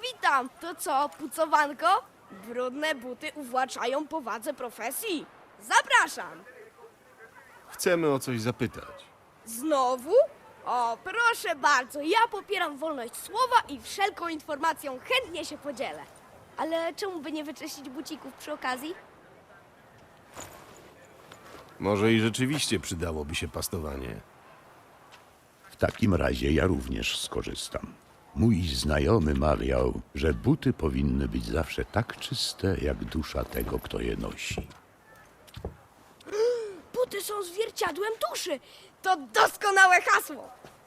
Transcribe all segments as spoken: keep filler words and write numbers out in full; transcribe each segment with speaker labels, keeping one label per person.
Speaker 1: witam. To co, pucowanko? Brudne buty uwłaczają powadze profesji. Zapraszam.
Speaker 2: Chcemy o coś zapytać.
Speaker 1: Znowu? O, proszę bardzo, ja popieram wolność słowa i wszelką informacją chętnie się podzielę. Ale czemu by nie wyczyścić bucików przy okazji?
Speaker 2: Może i rzeczywiście przydałoby się pastowanie.
Speaker 3: W takim razie ja również skorzystam. Mój znajomy mawiał, że buty powinny być zawsze tak czyste, jak dusza tego, kto je nosi.
Speaker 1: Buty są zwierciadłem duszy. To doskonałe hasło.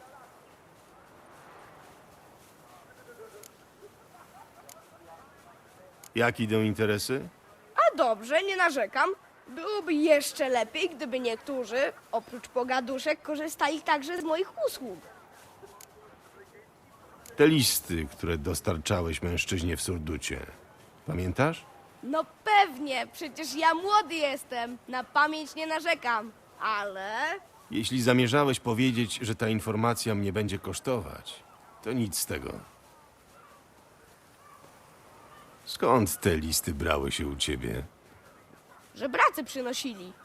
Speaker 2: Jak idą interesy?
Speaker 1: A dobrze, nie narzekam. Byłoby jeszcze lepiej, gdyby niektórzy, oprócz pogaduszek, korzystali także z moich usług.
Speaker 2: Te listy, które dostarczałeś mężczyźnie w Surducie. Pamiętasz?
Speaker 1: No pewnie, przecież ja młody jestem. Na pamięć nie narzekam. Ale...
Speaker 2: Jeśli zamierzałeś powiedzieć, że ta informacja mnie będzie kosztować, to nic z tego. Skąd te listy brały się u ciebie?
Speaker 1: żebracy przynosili.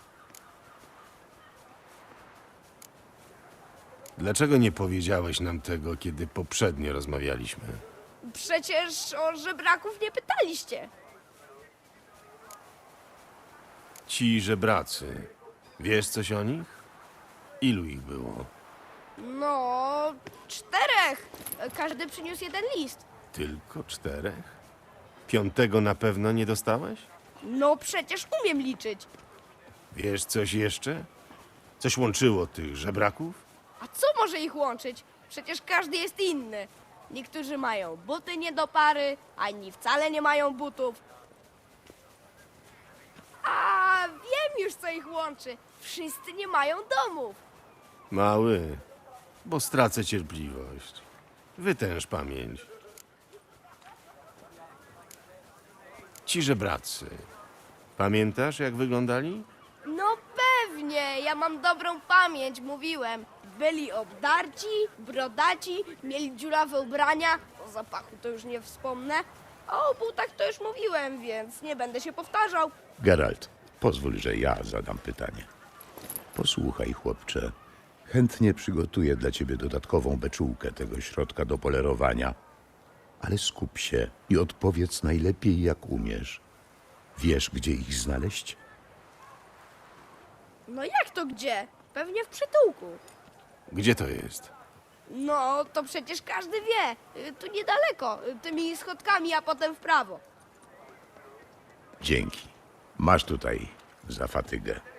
Speaker 2: Dlaczego nie powiedziałeś nam tego, kiedy poprzednio rozmawialiśmy?
Speaker 1: Przecież o żebraków nie pytaliście.
Speaker 2: Ci żebracy, wiesz coś o nich? Ilu ich było?
Speaker 1: No, czterech. Każdy przyniósł jeden list.
Speaker 2: Tylko czterech? Piątego na pewno nie dostałeś?
Speaker 1: No przecież umiem liczyć.
Speaker 2: Wiesz coś jeszcze? Coś łączyło tych żebraków?
Speaker 1: A co może ich łączyć? Przecież każdy jest inny. Niektórzy mają buty nie do pary, a inni wcale nie mają butów. A wiem już, co ich łączy. Wszyscy nie mają domów.
Speaker 2: Mały, bo stracę cierpliwość. Wytęż pamięć. Ci żebracy. Pamiętasz, jak wyglądali?
Speaker 1: No pewnie, ja mam dobrą pamięć, mówiłem. Byli obdarci, brodaci, mieli dziurawe ubrania, o zapachu to już nie wspomnę, a o butach to już mówiłem, więc nie będę się powtarzał.
Speaker 3: Geralt, pozwól, że ja zadam pytanie. Posłuchaj, chłopcze. Chętnie przygotuję dla ciebie dodatkową beczułkę tego środka do polerowania, ale skup się i odpowiedz najlepiej, jak umiesz. Wiesz, gdzie ich znaleźć?
Speaker 1: No jak to gdzie? Pewnie w przytułku.
Speaker 2: Gdzie to jest?
Speaker 1: No, to przecież każdy wie. Y, Tu niedaleko, y, tymi schodkami, a potem w prawo.
Speaker 3: Dzięki. Masz tutaj za fatygę.